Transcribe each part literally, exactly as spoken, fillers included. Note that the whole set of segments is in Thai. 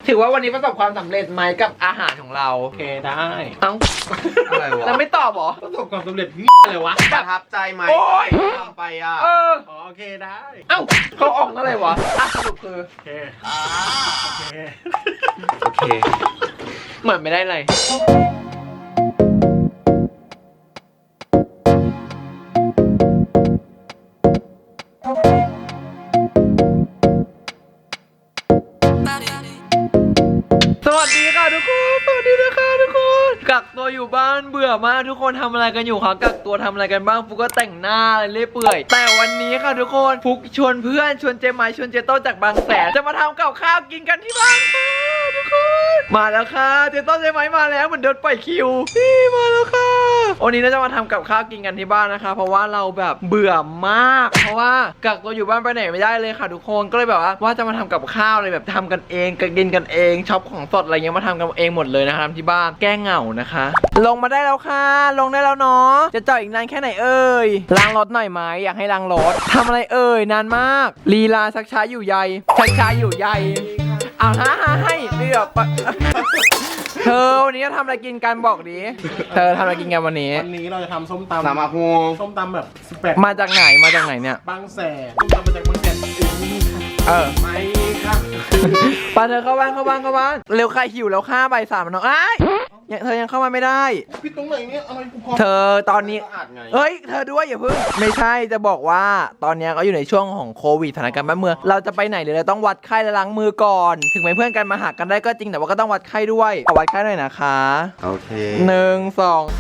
ถือว่าวันนี้ประสบความสำเร็จไหมกับอาหารของเราโอเคได้เอ้าอะไรวะแล้วไม่ตอบหรอประสบความสำเร็จเลยวะประทับใจไหมโอ้ยทำไปอ่ะเออโอเคได้เอ้าเขาออกอะไรวะอ่ะสรุปคือโอเคโอเคโอเคเหมือนไม่ได้เลยสวัสดีค่ะทุกคนสวัสดีนะคะทุกคนกักตัวอยู่บ้านเบื่อมากทุกคนทำอะไรกันอยู่คะกักตัวทำอะไรกันบ้างฟุกก็แต่งหน้าอะไรเรื่อยเปื่อยแต่วันนี้ค่ะทุกคนฟุกชวนเพื่อนชวนเจมายชวนเจโต้จากบางแสนจะมาทำกับข้าวกินกันที่บ้านค่ะทุกคนมาแล้วค่ะเจโต้เจมายมาแล้วเหมือนเดินปล่อยคิวนี่มาแล้วค่ะวันนี้เราจะมาทำกับข้าวกินกันที่บ้านนะคะเพราะว่าเราแบบเบื่อมากเพราะว่ากักตัวอยู่บ้านไปไหนไม่ได้เลยค่ะทุกคนก็เลยแบบว่าว่าจะมาทำกับข้าวเลยแบบทำกันเองกินกันเองช็อปของสดอะไรเงี้ยมาทำกันเองหมดเลยนะคะทำที่บ้านแก้เหงานะคะลงมาได้แล้วค่ะลงได้แล้วเนาะจะจอดอีกนานแค่ไหนเอ่ยล้างรถหน่อยไหมอยากให้ล้างรถทำอะไรเอ่ยนานมากลีลาชักช้าอยู่ใยชักช้าอยู่ใยเอาฮะให้เดือบเธอวันนี้จะทำอะไรกินกันบอกดิเธอทำอะไรกินกันวันนี้วันนี้เราจะทำส้มตำสามาฮูส้มตำแบบสิบแปดมาจากไหนมาจากไหนเนี่ยบางแสนส้มตำมาจากบางแสนเออไม่ค่ะปาเธอเข้าบ้านเข้าบ้านเข้าบ้านเร็วใครหิวแล้วข้าใบสามน้องไอ้ยังเธอยังเข้ามาไม่ได้พี่ตรงไหนเนี่ยอะไรกูพอเธอตอนนี้เฮ้ยเธอด้วยอย่าเพิ่งไม่ใช่จะบอกว่าตอนนี้ก็อยู่ในช่วงของโควิดสถานการณ์บ้านเมืองเราจะไปไหนหรือเราต้องวัดไข้และล้างมือก่อนถึงแม้เพื่อนกันมาหากันได้ก็จริงแต่ว่าก็ต้องวัดไข้ด้วยเอาวัดไข้หน่อยนะคะโอเคหนึ่งสอง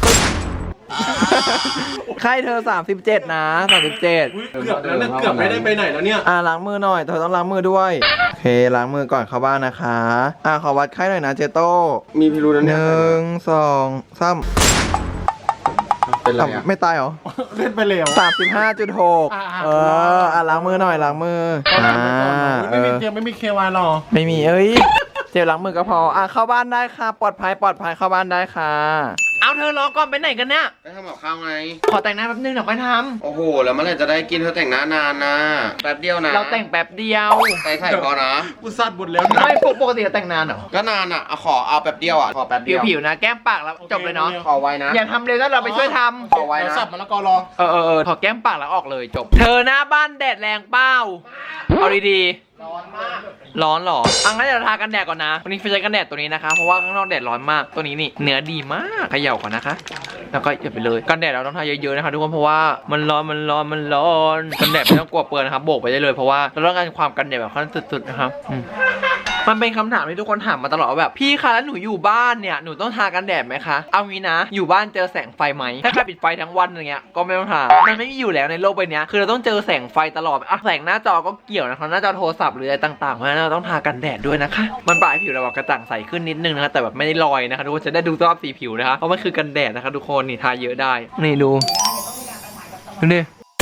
ไข้เธอสามสิบเจ็ดนะสามสิบเจ็ดเกือบแล้วเนี่ยเกือบไม่ได้ไปไหนแล้วเนี่ยอ่าล้างมือหน่อยเธอต้องล้างมือด้วยโอเคล้างมือก่อนเข้าบ้านนะคะอ่าขอวัดไข้หน่อยนะเจโต้มีพิรุธนะหเนี่ยนึ่งสองสามเป็นไรอ่ะไม่ตายเหรอเล่นไปเร็วสามสิบห้าจุดหกเอออ่ะล้างมือหน่อยล้างมืออ่าไม่มีเจมไม่มีเควายหรอไม่มีเอ้ยเจลล้างมือก็พออ่ะเข้าบ้านได้ค่ะปลอดภัยปลอดภัยเข้าบ้านได้ค่ะเอาเธอรอก่อนไปไหนกันเนี่ยไปทำกับข้าวไงขอแต่งหน้าแป๊บนึงเดี๋ยวค่อยทำโอ้โหแล้วเมื่อไหร่จะได้กินเธอแต่งหน้านานนะแป๊บเดียวนะเราแต่งแป๊บเดียวใส่ไข่พอนะกูซัดหมดแล้วไม่ปกติจะแต่งนานเหรอก็นานอ่ะขอเอาแป๊บเดียวอ่ะขอแป๊บเดียวผิวๆนะแก้มปากแล้วจบเลยเนาะขอไว้นะอย่าทำเร็วนะเราไปช่วยทำขอไว้นะสับมันแล้วก็รอเออเออขอแก้มปากแล้วออกเลยจบเธอหน้าบ้านแดดแรงเป้าเอาดีๆร้อนมากร้อนหรออังงั้นเดี๋ยวทากันแดดก่อนนะวันนี้ใช้กันแดดตัวนี้นะคะเพราะว่าข้างนอกแดดร้อนมากตัวนี้นี่เนื้อดีมากเขย่าก่อนนะคะแล้วก็อย่าไปเลยกันแดดเราต้องทาเยอะๆนะคะทุกคนเพราะว่ามันร้อนมันร้อนมันร้อนกันแดดไม่ต้องกลัวเปื้อนนะครับโบกไปได้เลยเพราะว่าเราต้องการความกันแดดแบบขั้นสุดๆนะครับมันเป็นคำถามที่ทุกคนถามมาตลอดว่าแบบพี่คะแล้วหนูอยู่บ้านเนี่ยหนูต้องทากันแดดไหมคะเอางี้นะอยู่บ้านเจอแสงไฟไหมถ้าใครปิดไฟทั้งวันอย่างเงี้ยก็ไม่ต้องทามันไม่มีอยู่แล้วในโลกใบนี้คือเราต้องเจอแสงไฟตลอดอ่ะแสงหน้าจอก็เกี่ยวนะคะหน้าจอโทรศัพท์หรืออะไรต่างๆเพราะฉะนั้นเราต้องทากันแดดด้วยนะคะมันปลายผิวเรากระจ่างใสขึ้นนิดนึงนะคะแต่แบบไม่ได้ลอยนะคะทุกคนจะได้ดูสภาพสีผิวนะคะเพราะมันคือกันแดดนะคะทุกคนนี่ทาเยอะได้นี่ดูดูดิ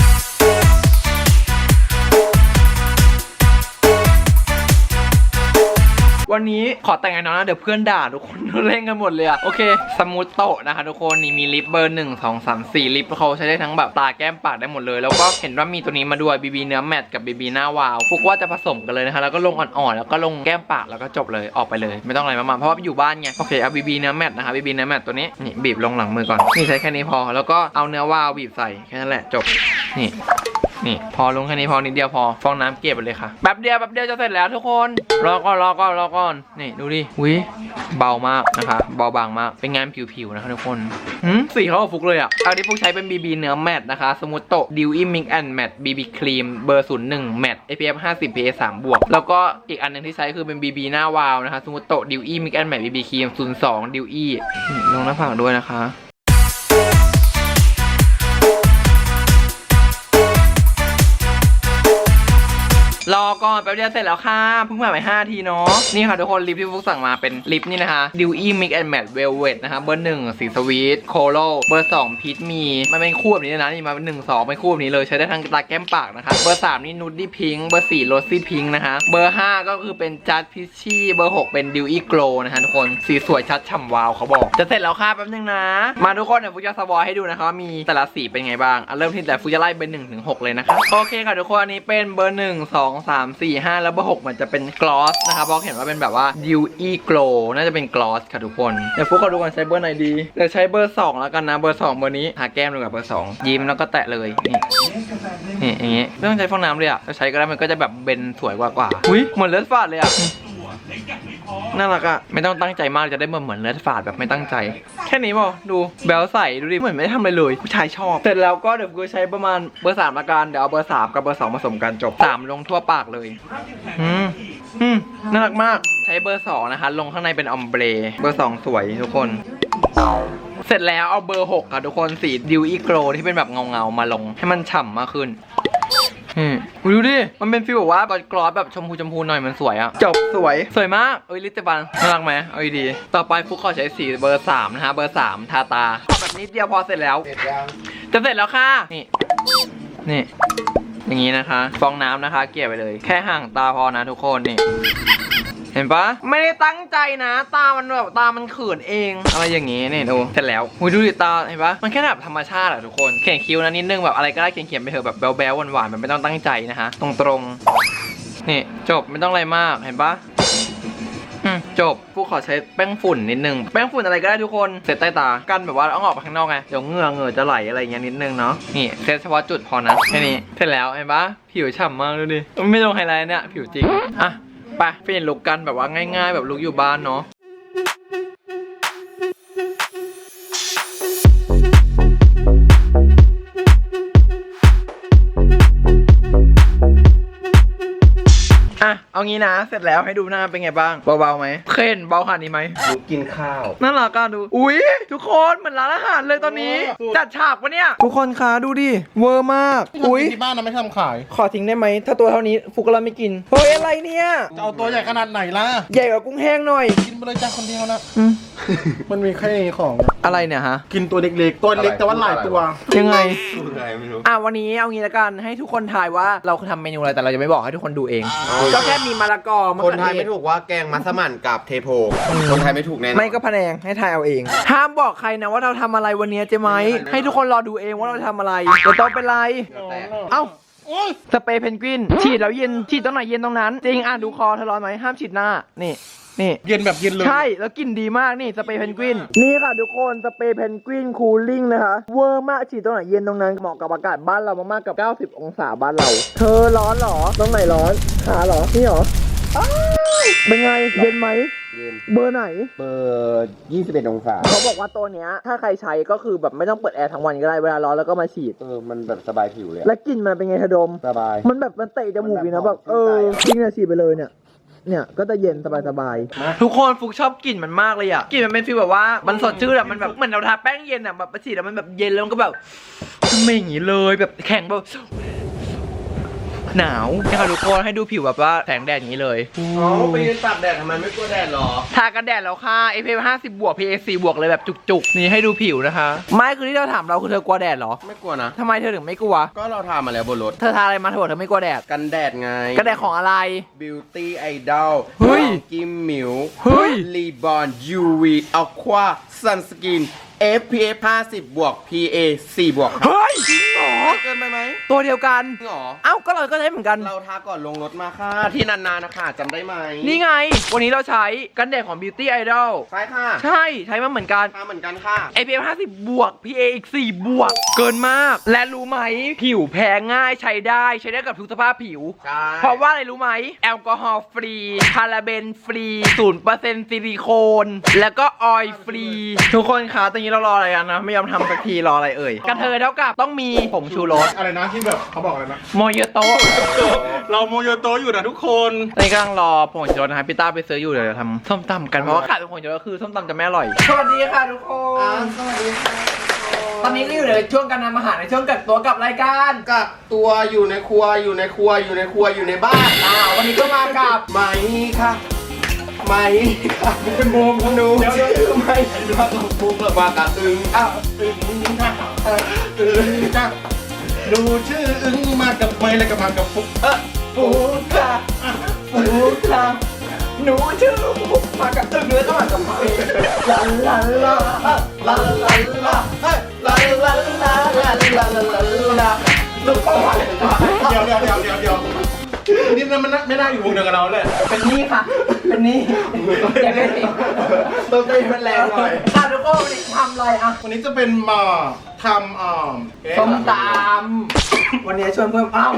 วันนี้ขอแต่งงานน้องนะเดี๋ยวเพื่อนด่าทุกคนเล่นกันหมดเลยอะโอเคสมูทโตะนะคะทุกคนนี่มีลิปเบอร์หนึ่งสองสามสี่ลิปเขาใช้ได้ทั้งแบบตาแก้มปากได้หมดเลยแล้วก็เห็นว่ามีตัวนี้มาด้วยบีบีเนื้อแมตต์กับบีบีหน้าวาวฟุกว่าจะผสมกันเลยนะคะแล้วก็ลงอ่อนๆแล้วก็ลงแก้มปากแล้วก็จบเลยออกไปเลยไม่ต้องอะไรมากๆเพราะว่าอยู่บ้านไงโอเคเอาบีบีเนื้อแมตต์นะคะบีบีเนื้อแมตต์ตัวนี้นี่บีบลงหลังมือก่อนนี่ใช้แค่นี้พอแล้วก็เอาเนื้อวาวบีบใส่แค่นั้นแหละจบนี่นี่พอลงแค่นี้พอนิดเดียวพอฟองน้ำเก็บไปเลยค่ะแป๊บเดียวแป๊บเดียวจะเสร็จแล้วทุกคนรอก่อนรอก่อนรอก่อนนี่ดูดิวิเบามากนะคะเบาบางมากเป็นงานผิวๆนะคะทุกคนหืมสีเขาฟุกเลยอ่ะอันนี้ฟุกใช้เป็น บี บี เนื้อแมตต์นะคะสมูทโตะดิวอี้มิกแอนด์แมตต์ บี บี ครีมเบอร์ศูนย์หนึ่งแมตต์ เอ พี เอฟ ห้าสิบ พี เอ สามบวกแล้วก็อีกอันหนึ่งที่ใช้คือเป็น บี บี หน้าวาวนะคะสมูทโตะดิวอี้มิกแอนด์แมตต์ บี บี ครีมศูนย์สองดิวอี้ลงหน้าผากด้วยนะคะรอก่อนแป๊บเดียวเสร็จแล้วค่ะเพิ่งผ่านไปห้าทีเนาะนี่ค่ะทุกคนลิปที่ฟุกสั่งมาเป็นลิปนี่นะคะ Dewy Mix and Matte Velvet นะคะเบอร์หนึ่งสีสวีทโคโลเบอร์สองพีชมีมันเป็นคู่แบบนี้นะนี่มาเป็นหนึ่งสองเป็นคู่แบบนี้เลยใช้ได้ทั้งตาแก้มปากนะคะเบอร์สามนี่นูดดี้พิงค์เบอร์สี่โรซี่พิงค์นะคะเบอร์ห้าก็คือเป็นจัดพิชชี่เบอร์หกเป็น Dewy Glow นะคะทุกคนสีสวยชัดฉ่ำวาวเขาบอกจะเสร็จแล้วค่ะแป๊บนึงนะมาทุกคนเดี๋ยวฟุกจะสวอให้ดูนะคะว่ามีแต่ละสีเป็นไงบ้างเริ่มที่แต่ฟุกจะไล่เป็นหนึ่งถึงหกเลยนะคะโอเคค่ะทุกคนอันนี้เป็นเบอร์หนึ่งสองสาม สี่ ห้าแล้วเบอร์หกมันจะเป็นกลอสนะครับเพราะเห็นว่าเป็นแบบว่า Dewy Glow น่าจะเป็นกลอสค่ะทุกคนเดี๋ยวฟุกเขาดูกันใช้เบอร์ไหนดีเดี๋ยวใช้เบอร์สองแล้วกันนะเบอร์สองเบอร์นี้ทาแก้มดูกับเบอร์สองยิ้มแล้วก็แตะเลยนี่นี่อย่างงี้ไม่ต้องใช้ฟองน้ำเลยอ่ะจะใช้ก็ได้มันก็จะแบบเบนสวยกว่ากว่าอุ้ยเหมือนเลือดฝาดเลยอ่ะน่ารักอ่ะไม่ต้องตั้งใจมากจะได้เหมือนเหมือนเลือดฝาดแบบไม่ตั้งใจแค่นี้พอดูแบลใส่ดูดิเหมือนไม่ได้ทำอะไรเลยผู้ชายชอบเสร็จแล้วก็เดี๋ยวกูใช้ประมาณเบอร์สามละกันเดี๋ยวเอาเบอร์สามกับเบอร์สองผสมกันจบสามลงทั่วปากเลยอืมอืมน่ารักมากใช้เบอร์สองนะคะลงข้างในเป็นออมเบรเบอร์สองสวยทุกคนเสร็จแล้วเอาเบอร์หกค่ะทุกคนสีดิวอีโกรที่เป็นแบบเงาเงาๆมาลงให้มันฉ่ำมากขึ้นอืมดูดิมันเป็นฟีลแบบว่าบอลกรอสแบบชมพูชมพูหน่อยมันสวยอะจบสวยสวยมากเอ้ยลิตเตบันน่ารักไหมเอาดีๆต่อไปฟุกขอใช้สีเบอร์สามนะฮะเบอร์สามทาตาแบบนิดเดียวพอเสร็จแล้วจะเสร็จแล้วค่ะนี่นี่อย่างนี้นะคะฟองน้ำนะคะเกลี่ยไปเลยแค่ห่างตาพอนะทุกคนนี่เห็นปะไม่ได้ตั้งใจนะตามันแบบตามันเขินเองอะไรอย่างงี้นี่ดูเสร็จแล้วหุยดูดิตาเห็นปะมันแค่แบบธรรมชาติอะทุกคนเขียนคิ้วนะนิดนึงแบบอะไรก็ได้เขียนเขียนไปเถอะแบบแบ๊วๆหวานๆแบบไม่ต้องตั้งใจนะฮะตรงๆนี่จบไม่ต้องอะไรมากเห็นปะอืมจบผู้ขอใช้แป้งฝุ่นนิดนึงแป้งฝุ่นอะไรก็ได้ทุกคนเสร็จใต้ตากันแบบว่าเอาออกไปข้างนอกไงเดี๋ยวเหงื่อเหงื่อจะไหลอะไรอย่างเงี้ยนิดนึงเนาะนี่เซตเฉพาะจุดพอนะแค่นี้เสร็จแล้วเห็นปะผิวฉ่ำมากดูดิไม่ลงไฮไลท์เนี่ยผิวจริงอ่ะไปเปลี่ยนลุคกันแบบว่าง่ายๆแบบลุคอยู่บ้านเนาะอ่ะเอางี้นะเสร็จแล้วให้ดูหน้าเป็นไงบ้างเบาๆไหมเข็นเบาขนาดนี้ไหมลุกกินข้าวน่ารักอ่ะดูอุ้ยทุกคนเหมือนร้านอาหารเลยตอนนี้จัดฉากปะเนี่ยทุกคนคะดูดิเวอร์มากอุ้ยที่บ้านนะไม่ทำขายขอทิ้งได้ไหมถ้าตัวเท่านี้ฟุกก็ไม่กินเฮ้ยอะไรเนี่ยจะเอาตัวใหญ่ขนาดไหนล่ะใหญ่กว่ากุ้งแห้งหน่อยกินไปเลยจ้าคนเดียวนะอืมมันมีแค่นี้ของอะไรเนี่ยฮะกินตัวเล็กๆตัวเล็กแต่ว่าหลายตัวยังไงอะไรไม่รู้อ่ะวันนี้เอางี้ละกันให้ทุกคนทายว่าเราทำเมนูอะไรแต่เราจะไม่บอกให้ทุกคนดูเองก็แค่มีมะละกอมะคนเขือไทยเทไม่ศถูกว่าแกงมัสมั่นกับเทโพ คนไทยไม่ถูกแน่นอนไม่ก็พะแนงให้ทายเอาเองห้ามบอกใครนะว่าเราทำอะไรวันนี้เจ๊ไหมให้ทุกคนรอดูเองว่าเราทำอะไรเดี๋ยวต้องเป็นไรเอ้าสเปรย์เพนกวินฉีดแล้วเย็นฉีดตรงไหนเย็นตรงนั้นจริงอ่ะดูคอเธอร้อนไหมห้ามฉีดหน้านี่นี่เย็นแบบเย็นเลยใช่แล้วกลิ่นดีมากนี่สเปรย์เพนกวินนี่ค่ะทุกคนสเปรย์เพนกวินคูลิ่งนะคะเวอร์มากฉีดตรงไหนเย็นตรงนั้นเหมาะกับอากาศบ้านเรามากๆกับเก้าสิบองศาบ้านเรา เธอร้อนเหรอตรงไหนร้อนขาเหรอนี่เหรออ้าวเป็นไงเย็นไหมเย็นเบอร์ไหนเบอร์ยี่สิบเอ็ดองศาเขาบอกว่าตัวเนี้ยถ้าใครใช้ก็คือแบบไม่ต้องเปิดแอร์ทั้งวันก็ได้เวลาร้อนแล้วก็มาฉีดเออ มันแบบสบายผิวเลยและกลิ่นมันเป็นไงทะดมสบายมันแบบมันเตะจมูกดีนะมันแบแบบ บเออชื่นใจอะจริงนะฉีดไปเลยเนี่ยเนี่ยก็จะเย็นสบายๆทุกคนฟุกชอบกลิ่นมันมากเลยอ่ะกลิ่นมันเป็นฟีลแบบว่ามันสดชื่นอะมันแบบเหมือนเราทาแป้งเย็นอ่ะแบบฉีดแล้วมันแบบเย็นแล้วมันก็แบบทำไมอย่างงี้เลยแบบแข็งแบบหนาวนะคะทุกคนให้ดูผิวแบบว่าแสงแดดอย่างนี้เลยอ๋อไปยืนตากแดดทำไมไม่กลัวแดดหรอทากันแดดแล้วค่ะ เอ พี เอฟ ห้าสิบบวก พี เอ สี่บวกเลยแบบจุกๆนี่ให้ดูผิวนะคะไม่คือที่เราถามเราคือเธอกลัวแดดเหรอไม่กลัวนะทำไมเธอถึงไม่กลัวก็เราทามาแล้วบนรถเธอทาอะไรมาเธอบอกเธอไม่กลัวแดดกันแดดไงกันแดดของอะไร Beauty Idol เฮ้ยกิมมิวเฮ้ยรีบอน ยู วี Aqua Sunscreen เอฟ พี เอฟ ห้าสิบบวก พี เอ สี่บวกครับเฮ้ยจริงเหรอเกินไปไหมตัวเดียวกันจริงเหรอเอ้าก็เราก็ใช้เหมือนกันเราทาก่อนลงรถมาค่ะ ที่นานๆนะคะจำได้ไหมนี่ไง วันนี้เราใช้กันแดดของ Beauty Idol ใช่ค่ะใช่ใช้มาเหมือนกันทาเหมือนกันค่ะเอ พี เอฟ ห้าสิบบวก พี เอ อีกสี่บวก เกินมาก และรู้ไหมผิวแพ้ง่ายใช้ได้ใช้ได้กับทุกสภาพผิวใช่เพราะว่าอะไรรู้ไหมแอลกอฮอล์ฟรีพาราเบนฟรีศูนย์เปอร์เซ็นต์ซิลิโคน แล้วก็ออยล์ฟรี ทุกคนคะตอนนี้เรารออะไรกันนะ ไม่ยอมทำสักทีรออะไรเอ่ยกระเทยเท่ากับต้องมีผงชูรสอะไรนะที่แบบเขาบอกอะไรนะโมโยโตะเราโมโยโตอยู่นะทุกคนตอนนี้กำลังรอผงชูรสนะครับพี่ต้าไปซื้ออยู่เดี๋ยวจะทำส้มตำกันเพราะว่าขาดผงชูรสคือส้มตำจะไม่อร่อยสวัสดีค่ะทุกคนสวัสดีค่ะตอนนี้ก็อยู่ในช่วงการทำอาหารในช่วงกักตัวกับรายการกักตัวอยู่ในครัวอยู่ในครัวอยู่ในครัวอยู่ในบ้านอ่าวันนี้ก็มากับไหมค่ะไหมค่ะเป็นบูมหนูเดี๋ยวชื่เดี๋ยวอไหมมากับปุ๊บมากระอึงอ้าวอึ้งค่ะอึ้งจ้ะดูชื่ออึ้งมากับไม้แล้วก็มากับฟุกเออฟูค่ะฟูค่ะหนูชื่อฟุกมากับตึงแล้วก็มากับเพลงลาลาลาลาลาลาเฮ้ยลาลาลาลาลาลาลาลาลูกพ่อเดี๋ยวเดี๋ยวเดี๋ยวเดี๋ยวเดี๋ยวนี่นงั้นมันไม่ได้อยู่วงเดียวกับเราเลยเป็นนี่ค่ะ เป็นนี่อย่าเป็นนี่ต้นเต้นมันแรงหน่อยค่ะทุกคนวันนี้ทำอะไรอ่ะวันนี้จะเป็นมาทำอ่าส้มตำวันนี้ชวนเพิ่มเอ้า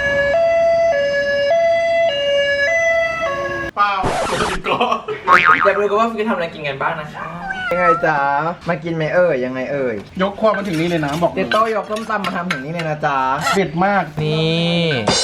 เปล่าปกติก็อยากรู้กันว่าฟิวทำอะไรกินกันบ้างนะคะยังไงจ๊ะมากินไหมเอ่ยยังไงเอ่ยยกความมาถึงนี่เลยนะบอกเจโต้ยกส้มตำมาทำถึงนี่เลยนะจ๊ะเด็ดมากนี่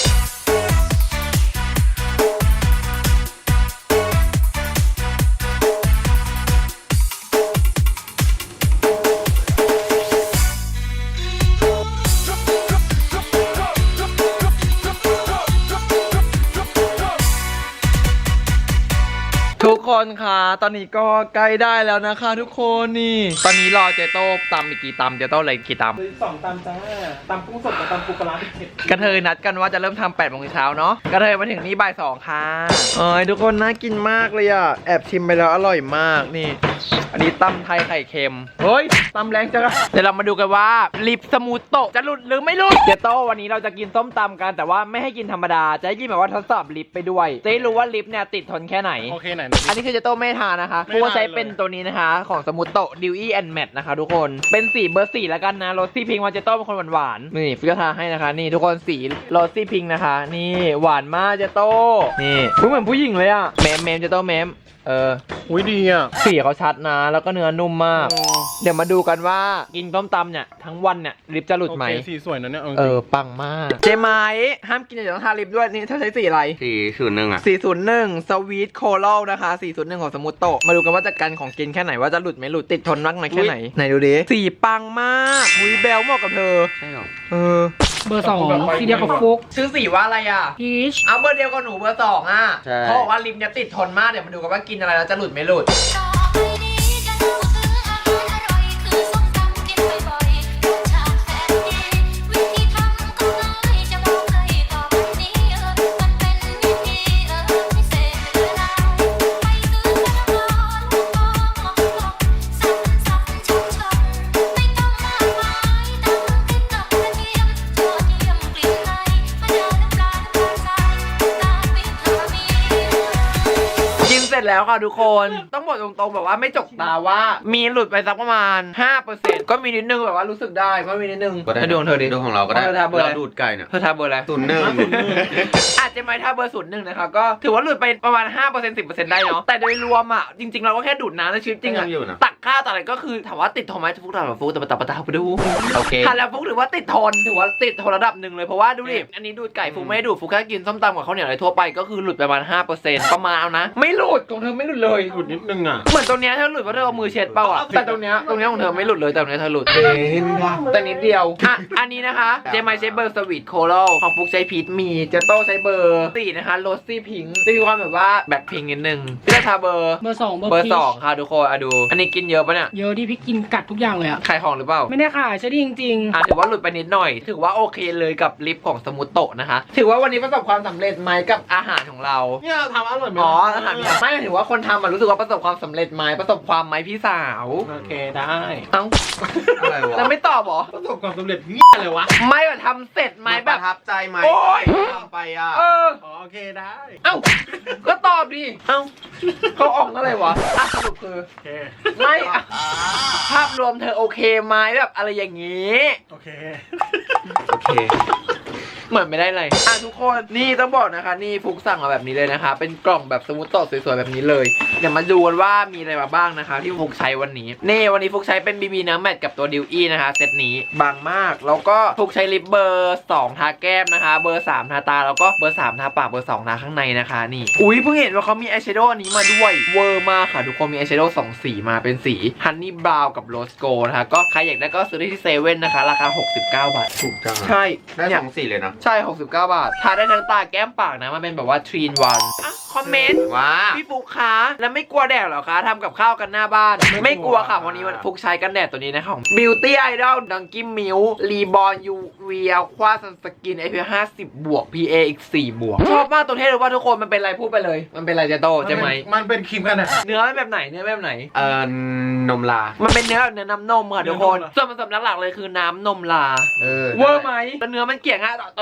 ทุกคนค่ะตอนนี้ก็ใกล้ได้แล้วนะคะทุกคนนี่ ตอนนี้รอเจโต้ตำอีกกี่ตำเจโต้เลยกี่ตำสองตำจ้าตำกุ้งสดกับตำปูปลาร้าเผ็ดกระเทยนัดกันว่าจะเริ่มทำแปดโมงเช้าเนาะกระเทยมาถึงนี่บ่ายสองค่ะเอ้ยทุกคนน่ากินมากเลยอ่ะ แอบชิมไปแล้วอร่อยมากนี่ อันนี้ตำไทยไข่เค็มเฮ้ยตำแรงจังอะเดี๋ยวเรามาดูกันว่าลิปสมูทโตะจะหลุดหรือไม่หลุดเจโต้วันนี้เราจะกินส้มตำกันแต่ว่าไม่ให้กินธรรมดาจะให้กินแบบว่าทดสอบลิปไปด้วยจะได้รู้ว่าลิปเนี่ยติดทนแค่ไหนโอเคไหนอันนี้คือเจโต้ไม่ทานนะคะไม่เพราะว่าทานใช้เป็นตัวนี้นะคะ ของสมูทโตะดิวอี้แอนด์แมทนะคะทุกคนเป็นสีเบอร์สี่แล้วกันนะโรซี่พิงค์มาเจโต้เป็นคนหวานๆนี่ฟิกทาให้นะคะนี่ทุกคนสีโรซี่พิงค์นะคะ นี่หวานมากเจโต้นี่เหมือนผู้หญิงเลยอะเมมเมมเจโต้เมมเอออุ้ยดีอ่ะสีเขาชัดนะแล้วก็เนื้อนุ่มมาก เดี๋ยวมาดูกันว่ากินต้มตำเนี่ยทั้งวันเนี่ยลิปจะหลุดไหมโอเคสีสวยนะเนี่ยเออปังมากเจไม้ห้ามกินเดี๋ยวต้องทาลิปด้วยนี่ถ้าใช้สีอะไรสี่ศูนย์หนึ่งอ่ะสี่ศูนย์หนึ่งสวีทโคโรลนะคะสี่ศูนย์หนึ่งของสมูทโตะมาดูกันว่าจะกันของกินแค่ไหนว่าจะหลุดไหมหลุดติดทนนักไหนแค่ไหนไหนดูดิสีปังมากอุ้ยแบลเหมาะกับเธอใช่หรอเออเบอร์สองสีเดียวกับฟุกชื่อสีว่าอะไรอ่ะพีชเอาเบอร์เดียวกับหนูเบอร์สองอ่ะใช่เขาบอกว่าลิปเนี่ยติดทนมากเดี๋ยวมาดูกันว่ากินอะไรแล้วจะหลุดไม่หลุดต่อไปนี้จะเล่าถึงอาหารอร่อยคือส้มตำกินบ่อยๆรสชาติแสนดีวิธีทำก็ง่ายจะบอกเลยต่อไปนี้เออมันเป็นวิธีเออพิเศษเวลาไปซื้อกันร้อนๆมองมองมองสับสับชมชมไม่ต้องมากมายตำพริกกับกระเทียมยอดเยี่ยมกลิ่นไอมะนาวน้ำปลาน้ำตาลทรายตามวิถีกินเสร็จแล้วค่ะทุกคนต้องบอกตรงๆแบบว่าไม่จกตาว่ามีหลุดไปสักประมาณ ห้าเปอร์เซ็นต์ ก็มีนิดนึงแบบว่ารู้สึกได้ก็มีนิดนึงก็ได้ให้ดูของเธอดิดูของเราก็ได้เธอทาเบอร์อะไรเราดูดไก่เนี่ยเธอทาเบอร์อะไรศูนย์หนึ่งอาจจะไม่ถ้าเบอร์ศูนย์หนึ่งนะคะก็ถือว่าหลุดไปประมาณ ห้าเปอร์เซ็นต์ สิบเปอร์เซ็นต์ ได้เนาะแต่โดยรวมอ่ะจริงๆเราก็แค่ดูดน้ำในชีวิตจริงอ่ะยังอยู่นะตักข้าวตักอะไรก็คือถามว่าติดทนไหมฟุกถามว่าฟุกแต่ปะตาปะตาไปดูโอเคทานแล้วฟุกถือว่าติดทนถือว่าติดทนระดับหนึ่งเลยเพราะว่าดูดิอันนี้ดูดไก่ฟุกไม่ได้ดูดฟุกแค่กินส้มตำกับข้าวเหนียวอะไรทั่วไปก็คือหลุดไปประมาณ ห้าเปอร์เซ็นต์ ประมาณเอานะไม่หลุดของเธอไม่หลุดเลยหลุดนิดนึงอ่ะเหมือนตรงเนี้ยเธอหลุดเพราะเธอเอามือเช็ดเปล่าอ่ะแต่ตรงเนี้ยตรงเนี้ยของเธอไม่หลุดเลยแต่ตรงเนี้ยเธอหลุดเห็นค่ะแต่นิดเดียวอ่ะอันนี้นะคะเจมายใช้เบอร์สวีทโคโรของฟุกใช้พีชมีเจโต้ใช้เบอร์สี่นะคะโรซี่พิงค์จะมีความแบบว่าแบ็คพิงค์นิดนึงพี่จะทาเบอร์เบอร์สองเบอร์เบอร์พีสชองค่ะทุกคนอ่ะดู อันนี้กินเยอะปะเนี่ยเยอะที่พี่กินกัดทุกอย่างเลยอะขายของหรือเปล่าไม่ได้ขายใช่ดิจริงอ่ะถือว่าหลุดไปนิดหน่อย ถือว่าโอเคเลยกับลิปของสมูทโตะนะคะ ถือว่าวันนี้ประสบความสำเร็จไหมกับอาหารของเราเนี่ยทำอร่อยไหมอ๋ออาหารไม่ถือว่าคนทำมันรู้สึกว่าประสบความสำเร็จไหมประสบความไหมพี่สาวโอเคได้เอ้าอะไรวะแล้วไม่ตอบเหรอประสบความสำเร็จเงี้ยเลยวะไม่แบบทำเสร็จไหมไม่แบปบระทับใจไหมโอ๊ยทำไปอ่ะเอออ๋อโอเคได้เอ้า ก็ตอบดิ เอ้าเขาออกอะไรวะอ่ะสรุปคือโอเคไม่อ่ะภาพรวมเธอโอเคไหมแบบอะไรอย่างงี้โอเคโอเคเหมือนไม่ได้เลยอ่ะทุกคนนี่ต้องบอกนะคะ นี่ฟุกสั่งมาแบบนี้เลยนะคะ เป็นกล่องแบบสมูทโตะสวยๆแบบนี้เลยเดี๋ยวมาดูกันว่ามีอะไรมาบ้างนะคะ ที่ฟุกใช้วันนี้นี่วันนี้ฟุกใช้เป็นบีบีน้ำแมทกับตัวดิวอี้นะคะเซตนี้บางมากแล้วก็ฟุกใช้ลิปเบอร์สองทาแก้มนะคะ เบอร์สามทาตาแล้วก็เบอร์สามทาปากเบอร์สองทาข้างในนะคะนี่อุ้ยเพิ่งเห็นว่าเขามีอายแชโดว์อันนี้มาด้วยเวอร์มากค่ะทุกคนมีอายแชโดว์สองสีมาเป็นสีฮันนี่บราวน์กับโรสโกนะคะก็ใครอยากได้ก็ซื้อได้ที่เซเว่นนะคะราคาหกสิบเก้าบาทถูกจังอะใช่ได้เนี่สยองสีเลยนะใช่หกสิบเก้าบาททาได้ทั้งตาแก้มปากนะมันเป็นแบบว่าทรีนวันอ่ะคอมเมนต์ว้าพี่ฟุกคะแล้วไม่กลัวแดดเหรอคะทำกับข้าวกันหน้าบ้าน ไม่กลัวค่ะวันนี้มันฟุกใช้กันแดดตัวนี้นะคะของ Beauty Idol ดังกิมมิวรีบอลยูเวียควาซันสกิน เอ พี ห้าสิบบวก พี เอ อีกสี่บวกชอบมากตัวเท่เลยว่าทุกคนมันเป็นอะไรพูดไปเลย มันเป็นอะไรเจโต้ใช่ไหมมันเป็นครีมกันแดดเนื้อเป็นแบบไหนเนื้อแบบไหนเอ่อนมลามันเป็นเนื้อแบบเนื้อน้ำนมค่ะทุกคนเนื้อนมเหรอส่วนผสมหลักๆเลยคือน้ำนมลาเออเวอร์ไหมแล้วเนื้อมันเกี่ยงฮะตอน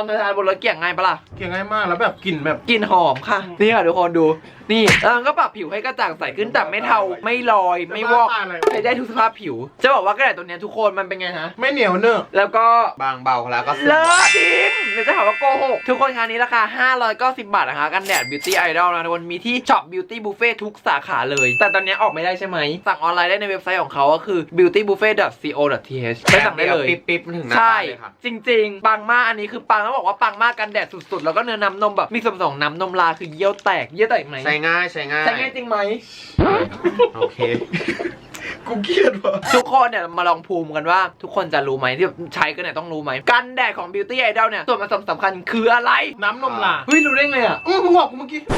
เธอทานบนรถเกี่ยงง่ายปะล่ะเกี่ยงง่ายมากแล้วแบบกลิ่นแบบกลิ่นหอมค่ะ นี่ค่ะทุกคนดู นี่แล้วมันก็ปรับผิวให้กระจ่างใสขึ้นแต่ไม่เทาไม่ลอยไม่วอกใช้ได้ทุกสภาพผิว จะบอกว่ากระดาษตัวเนี้ยทุกคนมันเป็นไงฮะไม่เหนียวเนอะแล้วก็บางเบาแล้วก็เลิศจริงเดี๋ยวจะหาว่าโกหกทุกคนคะนี้ราคาห้าร้อยเก้าสิบบาทนะคะกันแดด Beauty Idol นะทุกคนมีที่ช็อป Beauty Buffet ทุกสาขาเลย แต่ตอนนี้ออกไม่ได้ใช่ไหมสั่งออนไลน์ได้ในเว็บไซต์ของเขาก็คือ beauty buffet dot co dot th ไปสั่งได้เลยปิ๊บปิ๊บถึงหน้าใช่บ้านเลยค่ะจริงๆ ปังมากอันนี้คือปังต้องบอกว่าปังมากกันแดดสุดๆ แล้วก็เนื้อน้ำนมแบบมีส่วนผสมน้ำนมลาคือเยี่ยวแตกเยี่ยวแตกไหมใช้ง่ายใช้ง่ายใช่ง่ายจริงไหมโอเคกูเครียดว่ะทุกคนเนี่ยมาลองภูมิกันว่า ทุกคนจะรู้ไหมที่แบบใช้กันเนี่ยต้องรู้ไหมกันแดดของ Beauty Idol เนี่ยส่วนผสมสำคัญคืออะไรน้ำนมลาเฮ้ยรู้ได้ไงอ่ะอืมมึงบอกกูเมื่อกี้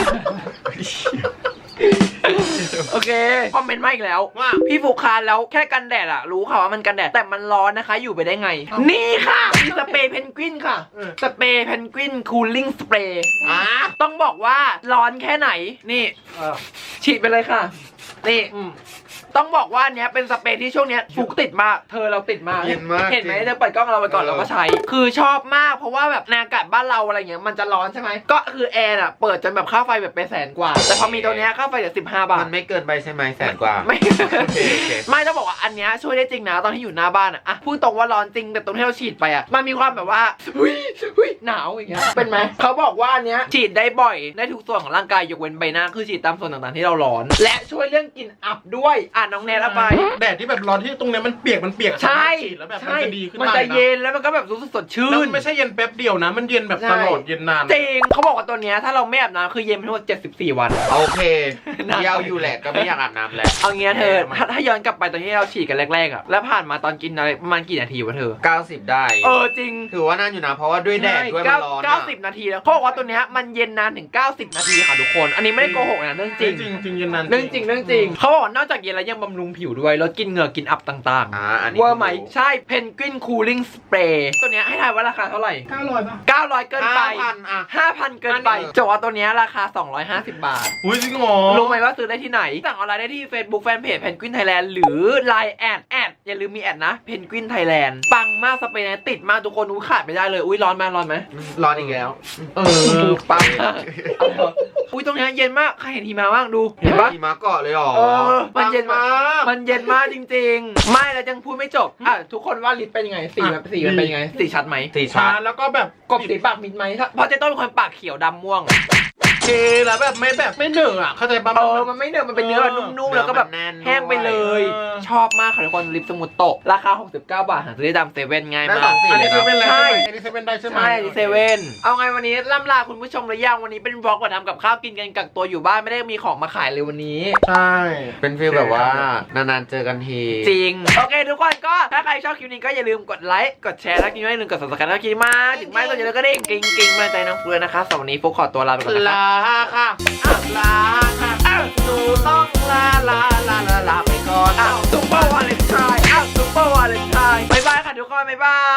โอเคคอมเมนต์มาอีกแล้วว่าพี่ฟูคานแล้วแค่กันแดดอะรู้ค่ะว่ามันกันแดดแต่มันร้อนนะคะ อยู่ไปได้ไง นี่ค่ะมีสเปรย์เพนกวินค่ะเออสเปรย์เพนกวินคูลิ่งสเปรย์อ่ะต้องบอกว่าร้อนแค่ไหนนี่เออฉีดไปเลยค่ะ นี่อืมต้องบอกว่าอันเนี้ยเป็นสเปรย์ที่ช่วงเนี้ยฟุกติดมากเธอเราติดมากเย็นมากเห็นไหมเธอเปิดกล้องเราไปก่อนเออเราก็ใช้ คือชอบมากเพราะว่าแบบในอากาศบ้านเราอะไรเงี้ยมันจะร้อนใช่ไหมก็คือแอร์อะเปิดจนแบบค่าไฟแบบไปแสนกว่า แต่พอมีตัวเนี้ยค่าไฟเหลือสิบห้าบาทมันไม่เกินไปใช่ไหมแสนกว่าไม่โอเคโอเคไม่ต้องบอกว่าอันเนี้ยช่วยได้จริงนะตอนที่อยู่หน้าบ้านอะอะพูดตรงว่าร้อนจริงแต่ตรงที่เราฉีดไปอะมันมีความแบบว่าหุยหุยหนาวอย่างเงี้ยเป็นไหมเขาบอกว่าอันเนี้ยฉีดได้บ่อยได้ทุกส่วนของร่างกายยกเว้นใบหน้าคือฉีดตามส่วนต่างๆที่เราร้อน และช่วยเรื่องกลิ่นอับด้วยอ่ะน้องแนทเอาไปแดดที่แบบร้อนที่ตรงเนี้ยมันเปียกมันเปียกใช่ฉีดแล้วแบบมันใช่จะดีขึ้นมันมาจะนะเย็นแล้วมันก็แบบรู้สึกสดชื่แล้วนมันไม่ใช่เย็นแป๊บเดียวนะ มันเย็นแบบใช่ตลอดเย็นนานจริงเขาบอกว่าตัวเนี้ยถ้าเราไม่อาบน้ำคือเย็นไปทั้งหมดเจ็ดสิบสี่วันโอเคนานเยี่ยวอยู่แหละก็ไม่อยากอาบน้ำแล้วเอางี้เธอถ้าถ้าย้อนกลับไปตอนที่เราฉีดกันแรกๆอะแล้วผ่านมาตอนกินอะไรประมาณกี่นาทีวะเธอเก้าสิบได้เออจริงถือว่านานอยู่นะ เพราะว่าด้วยแดดด้วยมันร้อนเก้าอะสิบนาทีแล้วเขาบอกว่าตัวเนี้ยมันเย็นนานถึงเก้าสิบนาทีค่ะทุกคน อันนี้ไม่ได้โกหกนะเรื่องจจริริงงจริงจริงเย็นนานเรื่องจริงเรื่องจริงเขาบอกว่านอกจากเย็นแล้วยังบำรุงผิวด้วยลดกลินเหงื่อกลินอับต่างอ่าอันๆนี้เวอร์ไหมใช่เพนกวินคูลิ่งสเปรย์ตัวเนี้ยให้ทายว่าราคาเท่าไหร่เก้าร้อยป่ะเก้าร้อยเกินไปห้าพันอ่ะห้าพันเกินไปอันนี้จว่าตัวเนี้ยราคาสองร้อยห้าสิบบาทอุ้ยจริงเหรอรู้ไหมว่าซื้อได้ที่ไหน สั่งออนไลน์ได้ที่ Facebook Fanpage Penguin Thailand หรือ ไลน์ แอดแอดอย่าลืมมีแอดนะ Penguin Thailand ปังมากสเปรย์เนี้ยติดมากทุกคนอุ้ยขาดไม่ได้เลย อุ้ยร้อนไหมร้อนไหมร้อนอีกแล้วเออปังมากอุ้ยตรงเนี้ยเย็นมากใครเห็นหิมะบ้างดูเห็นปะหิมะเกาะเลยเหรอเออมันเย็นมามาก มันเย็นมากจริงๆ ไม่แล้วยังพูดไม่จบอ่ะทุกคนว่าลิปเป็นยังไงสีมันสีมันเป็นยังไงสีชัดไหมสีชาชาแล้วก็แบบกบสีปากมิดไหมถ้าเพราะเจ๊ต้นเป็นคนปากเขียวดำม่วงเทแล้วแบบไม่แบบไม่เหนอะอ่ะเข้าใจปะเออ มันไม่เนื้อะมันเป็นเนื้อแบบนุ่มๆ แล้วก็แบบเนื้อมันแน่นแห้งไปเลยเออชอบมากค่ะทุกคนลิปสมุดโตะราคา หกสิบเก้า บาท หาซื้อได้ตามเซเว่นง่ายได้มาสอก งสีอันนี้เซเว่นเลยใช่อันนี้เซเว่นได้ใช่ไหมใช่เซเว่นเอาไงวันนี้ล่ำลาคุณผู้ชมหรือยังวันนี้เป็นบล็อกว่าทำกับข้าวกินกันกักตัวอยู่บ้านไม่ได้มีของมาขายเลยวันนี้ใช่เป็นฟีลแบบว่านานๆเจอกันทีจริง โอเค ทุกคนก็ถ้าใครชอบคลิปนี้ก็อย่าลืมกดไลค์กดแชร์แล้วก็อย่าลืมกด subscribe แล้วคลิปมาถึงไม่ก็อย่าลืมก็เด้งกิ้งกิ้งมาใจน้องเฟือนะคะสำหรับวันนี้ฟุกขอตัวลาไปก่อนนะคะลาค่ะอ่ะลาค่ะอ้าวหนูต้องลาลาลาลาลาไปก่อนอ้าวซุปเปอร์วาเลนไทน์อ้าวซุปเปอร์วาเลนไทน์บายบายค่ะทุกคนบายบาย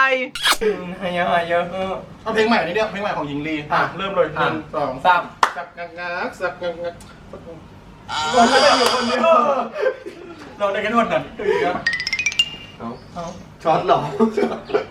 ฮายาฮายาเอาเพลงใหม่นี่เดียวเพลงใหม่ของหญิงลีอ่ะเริ่มเลยหนึ่งสองสามสักงักงักสักงักงักเราไม่ได้อยู่คนเดียวเราได้กันหมดน่ะเอาเอาช็อตหรอ